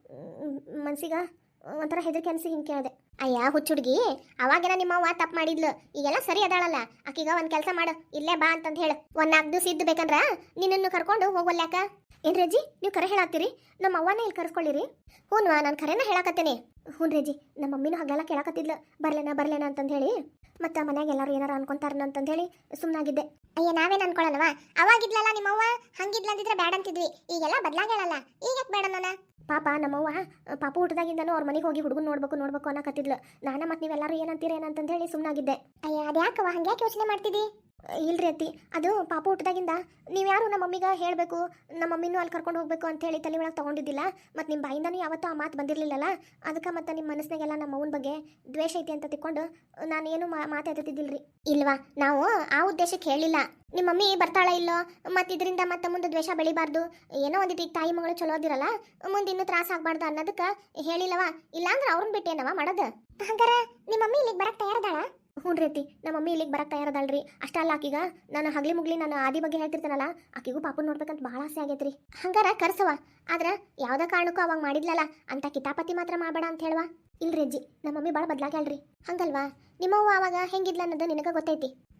Speaker 2: ಮನ್ಸಿಗೆ ಒಂಥರ ಹೆದರಿಕೆ ಅನಿಸಿ ಹಿಂಗೆ ಕೇಳಿದೆ. ಅಯ್ಯ ಹುಚ್ಚುಡ್ಗಿ, ಅವಾಗೆಲ್ಲ ನಿಮ್ಮ ಅವ್ವ ತಪ್ಪು ಮಾಡಿದ್ಲು, ಈಗೆಲ್ಲ ಸರಿ ಅದಾಳಲ್ಲ. ಆಕೀಗ ಒಂದು ಕೆಲಸ ಮಾಡು, ಇಲ್ಲೇ ಬಾ ಅಂತಂದು ಹೇಳು. ಒಂದು 4 ದಿವಸ ಇದ್ದು ಬೇಕಂದ್ರೆ ನಿನ್ನನ್ನು ಕರ್ಕೊಂಡು ಹೋಗೋಲ್ಯಾಕ? ಏನು ರೇಜಿ, ನೀವು ಕರೆ ಹೇಳಾತ್ತೀರಿ? ನಮ್ಮ ಅವ್ವನೇ ಇಲ್ಲಿ ಕರ್ಸ್ಕೊಳ್ಳಿರಿ. ಹ್ಞೂನ್ವಾ, ನಾನು ಕರೆನ ಹೇಳಾಕತ್ತೇನೆ. ಹ್ಞೂ ರೇಜಿ, ನಮ್ಮ ಮಮ್ಮಿನೂ ಹಾಗೆಲ್ಲ ಕೇಳಾಕತ್ತಿದ್ಲು, ಬರ್ಲೇನ ಅಂತಂದು ಹೇಳಿ. ಮತ್ತು ಮನ್ಯಾಗ ಎಲ್ಲರೂ ಏನಾರು ಅನ್ಕೊಂತಾರನ ಅಂತಂದು ಹೇಳಿ ಸುಮ್ಮನಾಗಿದ್ದೆ. ಅಯ್ಯ, ನಾವೇನು ಅನ್ಕೊಳ್ಳೋಣವ? ಅವಾಗಿದ್ಲಲ್ಲ ನಿಮ್ಮವ್ವ, ಹಂಗಿದ್ಲಂದಿದ್ರೆ ಬ್ಯಾಡ ಅಂತಿದ್ವಿ. ಈಗೆಲ್ಲ ಬದಲಾಗೇಳಲ್ಲ, ಈಗ ಯಾಕೆ ಬೇಡ ನಾನು? ಪಾಪ ನಮ್ಮವ್ವ ಪಾಪು ಊಟದಾಗಿಂದನೂ ಅವ್ರ ಮನೆಗೆ ಹೋಗಿ ಹುಡುಗನ ನೋಡ್ಬೇಕು ಅನ್ನಕತ್ತಿದ್ಲು. ನಾನು ಮತ್ತು ನೀವೆಲ್ಲರೂ ಏನಂತೀರ ಏನಂತಂದು ಹೇಳಿ ಸುಮ್ಮನಾಗಿದ್ದೆ. ಅಯ್ಯ, ಅದ್ಯಾಕವ ಹಂಗ್ಯಾಕೆ ಯೋಚನೆ ಮಾಡ್ತಿದ್ದಿ? ಇಲ್ರಿ ಅತ್ತಿ, ಅದು ಪಾಪ ಊಟದಾಗಿಂದ ನೀವು ಯಾರು ನಮ್ಮ ಮಮ್ಮಿಗೆ ಹೇಳಬೇಕು, ನಮ್ಮ ಮಮ್ಮಿನೂ ಅಲ್ಲಿ ಕರ್ಕೊಂಡು ಹೋಗ್ಬೇಕು ಅಂತ ಹೇಳಿ ತಲೆ ಒಳಗೆ ತೊಗೊಂಡಿದ್ದಿಲ್ಲ. ಮತ್ತು ನಿಮ್ಮ ಬಾಯಿಂದನೂ ಯಾವತ್ತೂ ಆ ಮಾತು ಬಂದಿರಲಿಲ್ಲಲ್ಲ, ಅದಕ್ಕೆ ಮತ್ತು ನಿಮ್ಮ ಮನಸ್ಸಿನಾಗೆಲ್ಲ ನಮ್ಮ ಅವ್ವನ ಬಗ್ಗೆ ದ್ವೇಷ ಐತಿ ಅಂತ ತಿಳ್ಕೊಂಡು ನಾನೇನು ಮಾತಾಡ್ತಿದ್ದಿಲ್ರಿ. ಇಲ್ವಾ, ನಾವು ಆ ಉದ್ದೇಶಕ್ಕೆ ಹೇಳಿಲ್ಲ. ನಿಮ್ಮ ಮಮ್ಮಿ ಬರ್ತಾಳ ಇಲ್ಲೋ, ಮತ್ತು ಇದರಿಂದ ಮತ್ತೆ ಮುಂದೆ ದ್ವೇಷ ಬೆಳಿಬಾರ್ದು, ಏನೋ ಒಂದಿಟ್ಟು ಈಗ ತಾಯಿ ಮಗಳು ಚಲೋ ಅದಿರಲ್ಲ, ಮುಂದೆ ಇನ್ನೂ ತ್ರಾಸ ಆಗ್ಬಾರ್ದು ಅನ್ನೋದಕ್ಕೆ ಹೇಳಿಲ್ಲವ. ಇಲ್ಲಾಂದ್ರೆ ಅವ್ರನ್ನ ಬಿಟ್ಟೇನವ ಮಾಡೋದು? ಹಂಗಾರೆ ನಿಮ್ಮ ಮಮ್ಮಿ ಇಲ್ಲಿಗೆ ಬರಕ್ಕೆ ತಯಾರದಾಳ? ಹ್ಞೂ ರೀತಿ, ನಮ್ಮ ಮಮ್ಮಿ ಇಲ್ಲಿಗೆ ಬರಕ್ಕೆ ತಯಾರದಲ್ರಿ. ಅಷ್ಟಲ್ಲ, ಆಕಿಗ ನಾನು ಹಗ್ಲಿ ಮುಗ್ಲಿ ನಾನು ಆದಿ ಬಗ್ಗೆ ಹೇಳ್ತಿರ್ತಾನಲ್ಲ, ಆಕಿಗೂ ಪಾಪು ನೋಡ್ಬೇಕಂತ ಭಾಳ ಆಸೆ ಆಗೈತ್ರಿ. ಹಂಗಾರ ಕರ್ಸವ, ಆದ್ರೆ ಯಾವುದೇ ಕಾರಣಕ್ಕೂ ಅವಾಗ ಮಾಡಿದ್ಲಲ್ಲ ಅಂತ ಕಿತಾಪತಿ ಮಾತ್ರ ಮಾಡಬೇಡ ಅಂತ ಹೇಳುವ. ಇಲ್ರಿ ಅಜ್ಜಿ, ನಮ್ಮ ಮಮ್ಮಿ ಭಾಳ ಬದಲಾಗ್ಯಾಳ್ರಿ. ಹಂಗಲ್ವಾ, ನಿಮ್ಮವ್ವ ಅವಾಗ ಹೆಂಗಿದ್ಲ ಅನ್ನೋದು ನಿನಗೆ ಗೊತ್ತೈತಿ.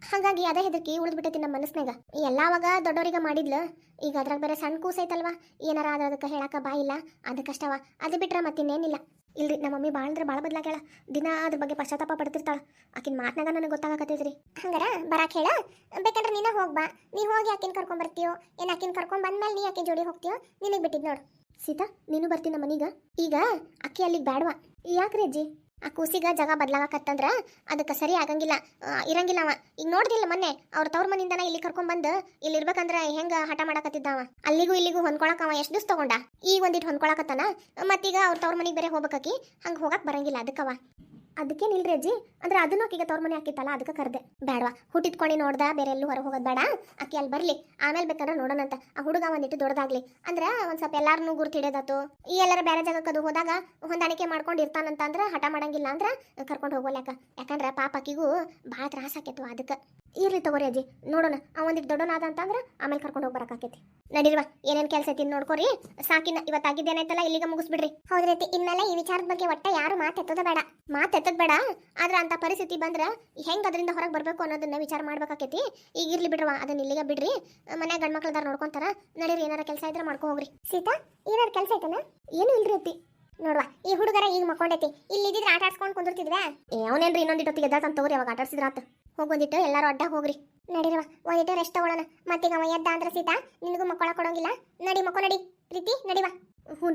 Speaker 2: ಹಾಗಾಗಿ ಅದೇ ಹೆದರ್ಕಿ ಉಳಿದ್ಬಿಟ್ಟೈತಿ ನಮ್ಮ ಮನಸ್ನಾಗ ಎಲ್ಲಾವಾಗ ದೊಡ್ಡವರಿಗೆ ಮಾಡಿದ್ಲು ಈಗ ಅದ್ರಾಗ ಬೇರೆ ಸಣ್ಣ ಕೂಸೈತಲ್ವಾ ಏನಾರ ಆದ್ರೆ ಅದಕ್ಕೆ ಹೇಳಕ ಬಾಯಿಲ್ಲ ಅದಕ್ಕಷ್ಟವ ಅದು ಬಿಟ್ರೆ ಮತ್ತಿನ್ನೇನಿಲ್ಲ ಇಲ್ರಿ ನಮ್ಮ ಮಮ್ಮಿ ಭಾಳ ಅಂದ್ರೆ ಭಾಳ ಬದಲಾಗ್ಯಾಳ ದಿನ ಅದ್ರ ಬಗ್ಗೆ ಪಶ್ಚಾತ್ತಾಪ ಪಡ್ತಿರ್ತಾಳ ಆಕಿನ ಮಾತನಾಗ ನನಗೆ ಗೊತ್ತಾಗತ್ತೈತ್ರಿ ಹಂಗಾರ ಬರಾಕ್ ಹೇಳ ಬೇಕಂದ್ರೆ ನೀನ ಹೋಗ್ಬಾ ನೀ ಹೋಗಿ ಆಕಿನ ಕರ್ಕೊಂಡ್ ಬರ್ತೀಯೋ ಏನ್ ಆಕಿನ ಕರ್ಕೊಂಡ್ ಬಂದ್ಮೇಲೆ ನೀ ಆಕಿನ ಜೋಡಿ ಹೋಗ್ತೀಯೋ ನಿನಗೆ ಬಿಟ್ಟಿದ್ ನೋಡು ಸೀತಾ ನೀನು ಬರ್ತೀನಿ ನಮ್ಮ ಮನೀಗ ಈಗ ಅಕ್ಕಿ ಅಲ್ಲಿಗೆ ಬ್ಯಾಡ್ವಾ ಯಾಕ್ರಿ ಅಜ್ಜಿ ಆ ಕೂಸಿಗ ಜಾಗ ಬದಲಾಗಕತ್ತಂದ್ರ ಅದಕ್ಕೆ ಸರಿ ಆಗಂಗಿಲ್ಲ ಇರಂಗಿಲ್ಲ ಅವ ಈಗ ನೋಡ್ದಿಲ್ಲ ಮೊನ್ನೆ ಅವ್ರ ತವ್ರ ಮನಿಂದನ ಇಲ್ಲಿ ಕರ್ಕೊಂಡ್ ಇಲ್ಲಿ ಇರ್ಬೇಕಂದ್ರ ಹೆಂಗ ಹಠ ಮಾಡಕತ್ತಿದ್ದವ ಅಲ್ಲಿಗೂ ಇಲ್ಲಿಗೂ ಹೊಂದ್ಕೊಳಕ್ ಅವ ಎಷ್ಟು ದಿವ್ಸ ತಗೊಂಡ ಈಗ ಒಂದಿಟ್ಟು ಹೊಂದ್ಕೊಳಕತ್ತಾನ ಮತ್ತೀಗ ಅವ್ರ ತವ್ರ ಮನಿಗೆ ಬೇರೆ ಹೋಗ್ಬೇಕಾಕಿ ಹಂಗ ಹೋಗಕ್ ಬರಂಗಿಲ್ಲ ಅದಕ್ಕವ ಅದಕ್ಕೇನಿಲ್ರಿ ಅಜ್ಜಿ ಅಂದ್ರೆ ಅದನ್ನು ಆಕಿಗೆ ತವ್ರ ಮನೆ ಹಾಕಿತ್ತಲ್ಲ ಅದಕ್ಕೆ ಕರ್ದೆ ಬೇಡವಾ ಹುಟ್ಟಿದ್ಕೊಂಡು ನೋಡ್ದ ಬೇರೆ ಎಲ್ಲೂ ಹೊರ ಹೋಗೋದು ಬೇಡ ಆಕಿ ಅಲ್ಲಿ ಬರ್ಲಿ ಆಮೇಲೆ ಬೇಕಂದ್ರೆ ನೋಡೋಣಂತ ಆ ಹುಡುಗ ಒಂದಿಟ್ಟು ದೊಡ್ಡದಾಗ್ಲಿ ಅಂದ್ರೆ ಒಂದ್ ಸ್ವಲ್ಪ ಎಲ್ಲಾರನ್ನೂ ಗುರ್ತು ಹಿಡಿಯೋದಾತು ಈ ಎಲ್ಲರ ಬೇರೆ ಜಾಗಕ್ಕೆ ಅದು ಹೋದಾಗ ಹೊಂದಾಣಿಕೆ ಮಾಡ್ಕೊಂಡು ಇರ್ತಾನಂತ ಅಂದ್ರೆ ಹಠ ಮಾಡಂಗಿಲ್ಲ ಅಂದ್ರೆ ಕರ್ಕೊಂಡು ಹೋಗೋಲ್ಯಾಕ ಯಾಕಂದ್ರೆ ಪಾಪ ಆಕಿಗೂ ಭಾಳ ತ್ರಾಸ ಆಕೇತು ಅದಕ್ಕೆ ಇರ್ಲಿ ತಗೋರಿ ಅಜ್ಜಿ ನೋಡೋಣ ಆ ಒಂದಿಟ್ಟು ದೊಡ್ಡನಾದ ಅಂತಂದ್ರೆ ಆಮೇಲೆ ಕರ್ಕೊಂಡು ಹೋಗಿ ಬರಕಾಕೈತಿ ನಡೀಲ್ವಾ ಏನೇನ್ ಕೆಲಸ ಐತಿ ನೋಡ್ಕೋರಿ ಸಾಕಿನ ಇವತ್ತಾಗಿದ್ದೇನೈತಲ್ಲ ಇಲ್ಲಿಗೆ ಮುಗಿಸ್ಬಿಡ್ರಿ ಹೌದ್ರೈತಿ ಇನ್ಮೇಲೆ ಈ ವಿಚಾರದ ಬಗ್ಗೆ ಒಟ್ಟ ಯಾರು ಮಾತೆತ್ತದ ಬೇಡ ಆದ್ರೆ ಅಂತ ಪರಿಸ್ಥಿತಿ ಬಂದ್ರ ಹೆಂಗ್ ಅದರಿಂದ ಹೊರಗೆ ಬರ್ಬೇಕು ಅನ್ನೋದನ್ನ ವಿಚಾರ ಮಾಡ್ಬೇಕಾಕೈತಿ ಈಗ ಇರ್ಲಿ ಬಿಡ್ರವಾ ಅದನ್ನ ಇಲ್ಲಿಗೆ ಬಿಡ್ರಿ ಮನ್ಯಾಗ ಗಂಡ್ಮಕ್ಳದಾರ ನೋಡ್ಕೊಂತಾರ ನಡೀರಿ ಏನಾರ ಕೆಲಸ ಇದ್ರೆ ಮಾಡ್ಕೊ ಹೋಗ್ರಿ ಸೀತಾ ಏನಾರ ಕೆಲಸ ಐತನ ಏನು ಇಲ್ರಿ ಅತ್ತಿ ನೋಡ್ವಾ ಈ ಹುಡುಗರ ಈಗ ಮಕ್ಕೊಂಡೈತಿ ಇಲ್ಲಿ ಇದ್ದಿದ್ರೆ ಆಟ ಆಡ್ಸ್ಕೊಂಡು ಕುಂದಿರ್ತಿದ್ವಾ ಅವನೇನ್ರಿ ಇನ್ನೊಂದಿಟ್ಟು ಎದ್ದಾತಂತ ತಗೋರಿ ಅವಾಗ ಆಟ ಆಡ್ಸಿದ್ರಾತ ಹೋಗೊಂದಿಟ್ಟು ಎಲ್ಲಾರು ಅಡ್ಡ ಹೋಗ್ರಿ ನಡಿರವ ಒಂದಿಟ್ಟು ರೆಸ್ಟ್ ತಗೊಳ್ಳೋಣ ಮತ್ತೀಗ ಅವ ಎದ್ದ ಅಂದ್ರೆ ಸೀತಾ ನಿನಗೂ ಮಕ್ಕಳ ಕೊಡೋಂಗಿಲ್ಲ ನಡಿ ನಡಿ ಪ್ರೀತಿ ನಡಿವಾ ಹ್ಞೂ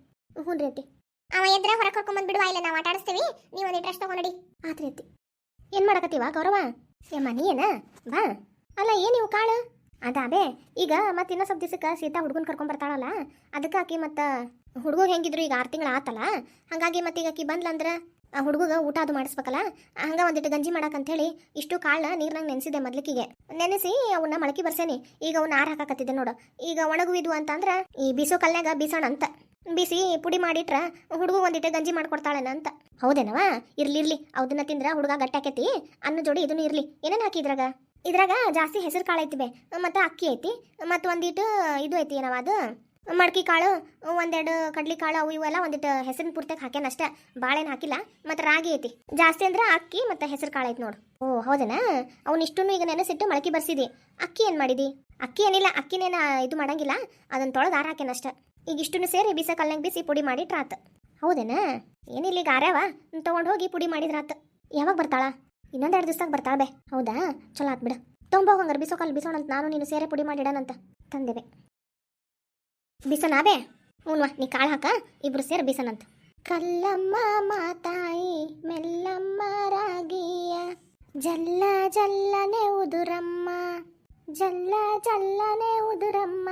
Speaker 2: ರೀ ಅವ ಎದ್ರೆ ಹೊರ ಕರ್ಕೊಂಡ್ ಬಿಡುವ ಇಲ್ಲ ನಾವು ಆಟ ಆಡಿಸ್ತೀವಿ ನೀವು ಒಂದಿಟ್ಟು ರೆಸ್ಟ್ ತಗೊಂಡಿ ಆತ್ರಿ ಅತ್ತಿ ಏನ್ ಮಾಡಕತ್ತೀವ ಗೌರವ ಯಮ್ಮ ನೀ ಏನ ಬಾ ಅಲ್ಲ ಏನಿವು ಕಾಳು ಅದಾಬೇ ಈಗ ಮತ್ತೆ ಇನ್ನೂ ಸ್ವಲ್ಪ ದಿವಸಕ್ಕೆ ಸೀತಾ ಹುಡುಗನ್ ಕರ್ಕೊಂಡ್ ಬರ್ತಾಳಲ್ಲ ಅದಕ್ಕೆ ಆಕಿ ಮತ್ತು ಹುಡುಗ ಹೆಂಗಿದ್ರು ಈಗ 6 ತಿಂಗಳು ಆತಲ್ಲ ಹಾಗಾಗಿ ಮತ್ತೀಗ ಆಕಿ ಬಂದ್ಲಂದ್ರೆ ಆ ಹುಡುಗ ಊಟ ಅದು ಮಾಡಿಸ್ಬೇಕಲ್ಲ ಹಂಗ ಒಂದಿಟ್ಟು ಗಂಜಿ ಮಾಡಕಂತ ಹೇಳಿ ಇಷ್ಟು ಕಾಳನ್ನ ನೀರ್ನಾಗ ನೆನೆಸಿದೆ ಮೊದ್ಲಿಕಿಗೆ ನೆನೆಸಿ ಅವನ್ನ ಮೊಳಕೆ ಬರ್ಸೇನಿ ಈಗ ಅವನ್ನ ಆರ್ ಹಾಕಕತ್ತಿದ್ದೆ ನೋಡು ಈಗ ಒಣಗುವಿದ್ವು ಅಂತಂದ್ರ ಈ ಬೀಸೋ ಕಲ್ನಾಗ ಬೀಸೋಣ ಅಂತ ಬಿಸಿ ಪುಡಿ ಮಾಡಿಟ್ರ ಹುಡುಗ ಒಂದಿಟ್ಟು ಗಂಜಿ ಮಾಡ್ಕೊಡ್ತಾಳೇನ ಅಂತ ಹೌದೇನವ ಇರ್ಲಿ ಅವದನ್ನ ತಿಂದ್ರ ಹುಡುಗ ಗಟ್ಟಾಕೈತಿ ಅನ್ನ ಜೋಡಿ ಇದನ್ನು ಇರ್ಲಿ ಏನೇನು ಹಾಕಿ ಇದ್ರಾಗ ಜಾಸ್ತಿ ಹೆಸರು ಕಾಳು ಐತಿ ಬೇ ಮತ್ತು ಅಕ್ಕಿ ಐತಿ ಮತ್ತು ಒಂದಿಟ್ಟು ಇದು ಐತಿ ಏನವ ಅದು ಮಡ್ಕಿ ಕಾಳು ಒಂದೆರಡು ಕಡ್ಲಿ ಕಾಳು ಅವು ಇವೆಲ್ಲ ಒಂದಿಟ್ಟು ಹೆಸರಿನ ಪೂರ್ತಿಯಾಗಿ ಹಾಕ್ಯಾನ ಅಷ್ಟೇ ಬಾಳೆನ ಹಾಕಿಲ್ಲ ಮತ್ತು ರಾಗಿ ಐತಿ ಜಾಸ್ತಿ ಅಂದ್ರೆ ಅಕ್ಕಿ ಮತ್ತು ಹೆಸರು ಕಾಳು ಐತಿ ನೋಡು ಓ ಹೌದೇನಾ ಅವನಿಷ್ಟನ್ನು ಈಗ ನೆನೆಸಿಟ್ಟು ಮೊಳಕೆ ಬರ್ಸಿದಿ ಅಕ್ಕಿ ಏನು ಮಾಡಿದಿ ಅಕ್ಕಿ ಏನಿಲ್ಲ ಅಕ್ಕಿನೇನ ಇದು ಮಾಡಂಗಿಲ್ಲ ಅದನ್ನ ತೊಳೆದು ಆರ ಹಾಕ್ಯಾನ ಅಷ್ಟೇ ಈಗ ಇಷ್ಟನ್ನು ಸೇರಿ ಬಿಸ ಕಲ್ನಾಗ ಬಿಸಿ ಪುಡಿ ಮಾಡಿಟ್ರಾತ ಹೌದೇನಾ ಏನಿಲ್ಲ ಈಗ ಆರ್ಯಾವ ತೊಗೊಂಡು ಹೋಗಿ ಪುಡಿ ಮಾಡಿದ್ರಾತ ಯಾವಾಗ ಬರ್ತಾಳ ಇನ್ನೊಂದೆರಡು ದಿವಸದಾಗ ಬರ್ತಾಳ ಬೇ ಹೌದಾ ಚಲೋ ಆತ್ ಬಿಡು ತೊಂಬೋಗಂಗಾರ ಬಿಸೋ ಕಲ್ಲು ಬಿಸೋಣಂತ ನಾನು ನೀನು ಸೇರೆ ಪುಡಿ ಮಾಡಿಡೋಣಂತ ತಂದೆವೆ ಬಿಸನಾ ಬೇ ಹ್ಞೂನ್ವಾ ನೀ ಕಾಳು ಹಾಕ ಇಬ್ರು ಸೇರಿ ಬಿಸನಂತ ಕಲ್ಲಮ್ಮ ಮಾತಾಯಿ ಮೆಲ್ಲಮ್ಮ ರಾಗಿಯ ಜಲ್ಲ ಜಲ್ಲನೆ ಉದುರಮ್ಮ ಜಲ್ಲ ಜಲ್ಲನೆ ಉದುರಮ್ಮ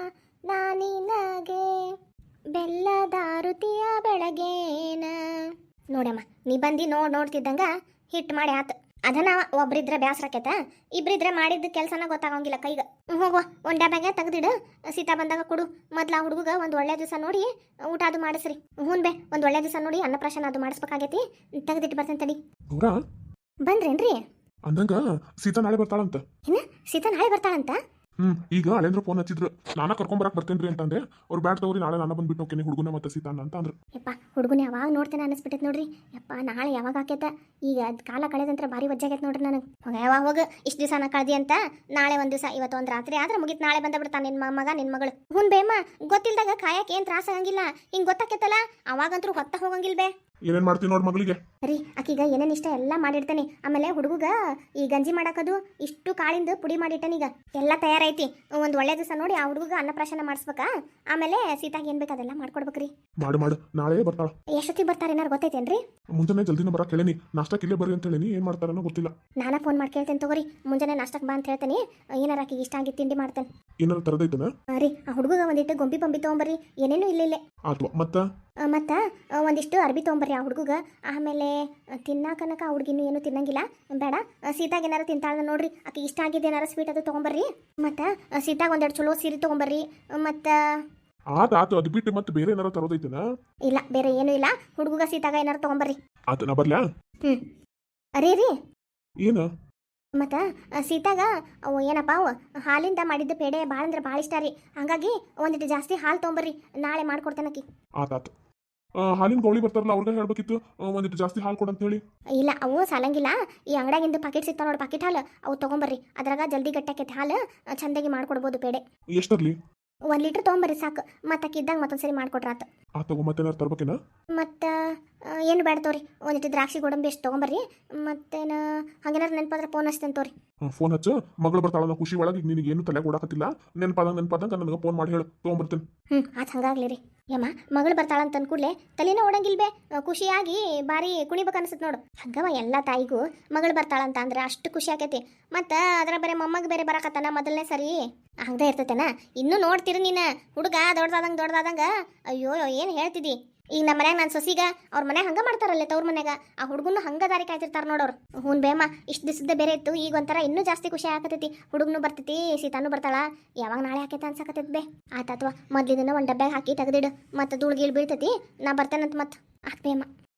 Speaker 2: ನಾನಿನಗೆ ಬೆಲ್ಲದಾರುತಿಯ ಬೆಳಗೇನ ನೋಡಮ್ಮ ನೀ ಬಂದು ನೋಡ್ತಿದ್ದಂಗ ಹಿಟ್ಟು ಮಾಡಿ ಆತು ಅದನ್ನ ಒಬ್ರಿದ್ರೆ ಬ್ಯಾಸ್ರಾಕೈತ ಇಬ್ರಿದ್ರೆ ಮಾಡಿದ ಕೆಲಸನ ಗೊತ್ತಾಗಂಗಿಲ್ಲ ಕೈಗ ಹೋಗುವ ಒಂದ್ ಡಬ್ಯಾಗ ತೆಗ್ದಿಡು ಸೀತಾ ಬಂದಾಗ ಕೊಡು ಮೊದ್ಲ ಆ ಹುಡುಗ ಒಂದು ಒಳ್ಳೆ ದಿವಸ ನೋಡಿ ಊಟ ಅದು ಮಾಡಿಸ್ರಿ ಹ್ಞೂ ಬೇ ಒಂದು ಒಳ್ಳೆ ದಿವಸ ನೋಡಿ ಅನ್ನಪ್ರಾಶನ ಅದು ಮಾಡಿಸ್ಬೇಕಾಗೈತಿ ತೆಗ್ದಿಟ್ಟು ಬರ್ತೇನೆ ತಡಿ ಬಂದ್ರೇನ್ರಿ
Speaker 3: ಅಂದಂಗ ಸೀತಾ ನಾಳೆ ಬರ್ತಾಳಂತ
Speaker 2: ಏನ ಸೀತಾ ನಾಳೆ ಬರ್ತಾಳಂತ
Speaker 3: ಈಗ ಅಳೆಂದ್ರ ಫೋನ್ ಹಚ್ಚಿದ್ರು ನಾನ ಕರ್ಕೊಂಬರಕ್ ಬರ್ತೇನ್ರಿ ಅಂತಂದೆ ಅವ್ರು ಬ್ಯಾಟ್ ತಗೋರಿ ನಾಳೆ ನಾನು ಬಂದ್ಬಿಟ್ಟು ಹೋಗ್ತೀನಿ ಹುಡುಗನ ಮತ್ತೆ ಸೀತಾನ ಅಂತ ಅಂದ್ರು
Speaker 2: ಯಪ್ಪ ಹುಡುಗನ ಯಾವಾಗ ನೋಡ್ತೇನೆ ಅನಿಸ್ಬಿಟ್ಟೈತೆ ನೋಡ್ರಿ ಯಪ್ಪ ನಾಳೆ ಯಾವಾಗ ಆಕೈತ ಈಗ ಅದು ಕಾಲ ಕಳೆದಂತ್ರ ಭಾರಿ ವಜ್ಜಾಗೈತೆ ನೋಡ್ರಿ ನನಗೆ ಯಾವಾಗ ಹೋಗ ಇಷ್ಟು ದಿವಸ ಕಳ್ದಿ ಅಂತ ನಾಳೆ ಒಂದು ದಿವಸ ಇವತ್ತು ಒಂದು ರಾತ್ರಿ ಆದ್ರೆ ಮುಗಿತ್ ನಾಳೆ ಬಂದ ಬಿಡ್ತಾನೆ ನಿನ್ನ ಮಗ ನಿನ್ನ ಮಗಳು ಹ್ಞೂ ಬೇಮ್ಮ ಗೊತ್ತಿಲ್ದಾಗ ಕಾಯಕ್ಕೆ ಏನು ತ್ರಾಸ ಆಗಂಗಿಲ್ಲ ಹಿಂಗೆ ಗೊತ್ತಾಕೈತಲ್ಲ ಅವಾಗಂತೂ ಹೊತ್ತ ಹೋಗಂಗಿಲ್ಲ ಬೇ
Speaker 3: ಏನೇನ್ ಮಾಡ್ತೀನಿ ನೋಡ್ ಮಗಳಿಗೆ
Speaker 2: ರೀ ಆಕೀಗ ಏನೇನು ಇಷ್ಟ ಎಲ್ಲ ಮಾಡಿಡ್ತೇನೆ ಆಮೇಲೆ ಹುಡುಗ ಈ ಗಂಜಿ ಮಾಡಾಕದು ಇಷ್ಟು ಕಾಳಿಂದ ಪುಡಿ ಮಾಡಿಟ್ಟನೀಗ ಎಲ್ಲ ತಯಾರೈತಿ ಒಂದು ಒಳ್ಳೆ ದಿವಸ ನೋಡಿ ಆ ಹುಡುಗ ಅನ್ನಪ್ರಾಶನ ಮಾಡಿಸ್ಬೇಕಾ ಆಮೇಲೆ ಸೀತಾಗ ಏನ್ ಬೇಕು ಅದೆಲ್ಲ ಮಾಡ್ಕೊಡ್ಬೇಕ್ರಿ
Speaker 3: ಮಾಡು ನಾಳೆ ಬರ್ತಾಳ
Speaker 2: ಎಷ್ಟೊತ್ತಿಗೆ ಬರ್ತಾರೆ ಏನಾರು ಗೊತ್ತೈತೇನ್ರಿ
Speaker 3: ಮುಂಜಾನೆ ಜಲ್ದಿನ ಬರಕ್ ಹೇಳೇನಿ ನಾಷ್ಟಕ್ಕೆ ಇಲ್ಲೇ ಬರ್ರಿ ಅಂತ ಹೇಳೀನಿ ಏನ್ ಮಾಡ್ತಾರನೋ ಗೊತ್ತಿಲ್ಲ
Speaker 2: ನಾನಾ ಫೋನ್ ಮಾಡಿ ಕೇಳ್ತೇನೆ ತಗೋರಿ ಮುಂಜಾನೆ ನಾಷ್ಟಕ್ಕೆ ಬಾ ಅಂತ ಹೇಳ್ತೇನೆ ಏನಾರ ಆಕಿಗೆ ಇಷ್ಟ ಆಗಿ ತಿಂಡಿ ಮಾಡ್ತೇನೆ
Speaker 3: ಏನಾರ ತರದೈತನ
Speaker 2: ರೀ ಆ ಹುಡುಗ ಒಂದಿಟ್ಟು ಗೊಂಬಿ ಬಂಬಿ ತೊಗೊಂಬರ್ರಿ ಏನೇನು ಇಲ್ಲೇ
Speaker 3: ಆತ್ವ
Speaker 2: ಮತ್ತು ಒಂದಿಷ್ಟು ಅರ್ಬಿ ತೊಗೊಂಬರ್ರಿ ಆ ಹುಡುಗ ಆಮೇಲೆ ತಿನ್ನಾಕನಕ ಆ ಹುಡುಗಿನೂ ಏನು ತಿನ್ನಂಗಿಲ್ಲ ಬೇಡ ಸೀತಾಗ ಏನಾರು ತಿಂತಾಳ ನೋಡ್ರಿ ಆಕೆ ಇಷ್ಟ ಆಗಿದ್ದು ಏನಾರು ಸ್ವೀಟ್ ಅದು ತೊಗೊಂಬರ್ರಿ ಮತ್ತು ಸೀತಾಗ ಒಂದೆರಡು ಚಲೋ ಸೀರೆ ತೊಗೊಂಬರ್ರಿ ಮತ್ತು
Speaker 3: ಆತು ಅದು ಬಿಟ್ಟು ಮತ್ತೆ ಬೇರೆ ಏನಾರ ತರೋದೈತನ
Speaker 2: ಇಲ್ಲ ಬೇರೆ ಏನೂ ಇಲ್ಲ ಹುಡುಗ ಸೀತಾಗ ಏನಾರು ತೊಗೊಂಬರ್ರಿ
Speaker 3: ಆತ ನಾ ಬರ್ಲ್ಯಾ
Speaker 2: ರೀ
Speaker 3: ಏನ
Speaker 2: ಮತ್ತು ಸೀತಾಗ ಅವು ಏನಪ್ಪ ಅವು ಹಾಲಿಂದ ಮಾಡಿದ್ದ ಪೇಡೆ ಭಾಳ ಅಂದ್ರೆ ಭಾಳ ಇಷ್ಟ ರೀ ಹಾಗಾಗಿ ಒಂದಿಟ್ಟು ಜಾಸ್ತಿ ಹಾಲು ತೊಗೊಂಬರ್ರಿ ನಾಳೆ ಮಾಡ್ಕೊಡ್ತೇನಕಿ
Speaker 3: ಆತಾತು ಹಾಲಿನ ಗೌಳಿ ಬರ್ತಾರಲ್ಲ ಅವ್ರಿಗೆ ಹೇಳ್ಬೇಕಿತ್ತು ಒಂದಿಟ್ಟು ಜಾಸ್ತಿ ಹಾಲು ಕೊಡಂತ ಹೇಳಿ.
Speaker 2: ಇಲ್ಲ ಅವು ಸಾಲಂಗಿಲ್ಲ. ಈ ಅಂಗಡಿಯಾಗಿಂದು ಪಾಕೆಟ್ ಸಿಗ್ತಾವ ನೋಡಿ, ಪಾಕೆಟ್ ಹಾಲು, ಅವು ತೊಗೊಂಬರ್ರಿ. ಅದ್ರಾಗ ಜಲ್ದಿ ಗಟ್ಟಾಕೈತಿ ಹಾಲು, ಚಂದಾಗಿ ಮಾಡ್ಕೊಡ್ಬೋದು ಪೇಡೆ.
Speaker 3: ಎಷ್ಟರ್ಲಿ?
Speaker 2: 1 ಲೀಟ್ರ್ ತೊಗೊಂಬರ್ರಿ ಸಾಕು. ಮತ್ತೆ ಅಕ್ಕಿದ್ದಾಗ ಮತ್ತೊಂದ್ಸರಿ ಮಾಡ್ಕೊಟ್ರಾತು.
Speaker 3: ಆ ತಗೋ ಮತ್ತೇನಾರು ತರ್ಬೇಕೇನ?
Speaker 2: ಮತ್ತು ಏನು ಬೇಡ ತೋರಿ, ಒಂದಿಟ್ಟು ದ್ರಾಕ್ಷಿ ಗೋಡಂಬಿ ಎಷ್ಟು ತೊಗೊಂಬರ್ರಿ. ಮತ್ತೇನು ಹಂಗೇನಾರು ನೆನಪಾದ್ರೆ ಫೋನ್ ಹಚ್ತೇನೆ ತೋರಿ.
Speaker 3: ಫೋನ್ ಹಚ್ಚು, ಮಗಳು ಬರ್ತಾಳ ಖುಷಿ ಒಳಗೆ ನಿನಗೆ ಏನು ತಲೆ ಕೊಡಕತ್ತಿಲ್ಲ. ನೆನಪಾದಂಗ ನನಗೆ ಫೋನ್ ಮಾಡಿ ಹೇಳು, ತೊಗೊಂಬರ್ತೇನೆ.
Speaker 2: ಆತು ಹಂಗಾಗ್ಲಿ ರೀ. ಯಮ್ಮ ಮಗಳು ಬರ್ತಾಳಂತ ಕೂಡಲೇ ತಲೆನೇ ಓಡಂಗಿಲ್ಬೇ, ಖುಷಿಯಾಗಿ ಬಾರಿ ಕುಣಿಬೇಕು ಅನ್ಸುತ್ತೆ ನೋಡು. ಹಂಗವ ಎಲ್ಲ ತಾಯಿಗೂ ಮಗಳು ಬರ್ತಾಳಂತ ಅಂದ್ರೆ ಅಷ್ಟು ಖುಷಿ ಆಕೈತಿ. ಮತ್ತು ಅದರ ಬೇರೆ ಮೊಮ್ಮಗ ಬೇರೆ ಬರಕತ್ತಾನ ಮೊದಲನೇ ಸರಿ, ಹಂಗೆ ಇರ್ತೈತೇನ. ಇನ್ನೂ ನೋಡ್ತೀರಿ ನೀನು ಹುಡುಗ ದೊಡ್ಡದಾದಂಗ ಅಯ್ಯೋ ಏನು ಹೇಳ್ತಿದ್ದಿ. ಈಗ ನಮ್ಮ ಮನ್ಯಾಗ ನಾನು ಸೊಸಿಗ ಅವ್ರ ಮನ್ಯಾಗ ಹಂಗೆ ಮಾಡ್ತಾರಲ್ಲೇ ತವ್ರ ಮನ್ಯಾಗ, ಆ ಹುಡುಗನು ಹಂಗೆ ದಾರಿ ಕಾಯ್ತಿರ್ತಾರೆ ನೋಡೋರು. ಹ್ಞೂ ಬೇಮ್ಮ, ಇಷ್ಟು ದಿವಸದ ಬೇರೆ ಇತ್ತು, ಈಗ ಒಂಥರ ಇನ್ನೂ ಜಾಸ್ತಿ ಖುಷಿ ಆಕತೈತಿ. ಹುಡುಗನು ಬರ್ತೈತಿ, ಸೀತಾನು ಬರ್ತಾಳ, ಯಾವಾಗ ನಾಳೆ ಹಾಕೈತೆ ಅನ್ಸಕತ್ತೈತಿ ಬೇ. ಆಯ್ತು ಅಥವಾ ಮೊದ್ಲಿನ ಒಂದು ಡಬ್ಬ್ಯಾಗ ಹಾಕಿ ತೆಗೆದಿಡು, ಮತ್ತು ಧೂಳು ಗೀಳು ಬೀಳ್ತೈತಿ, ನಾ ಬರ್ತೇನಂತ ಮತ್ತೆ. ಬೇಮ್ಮ.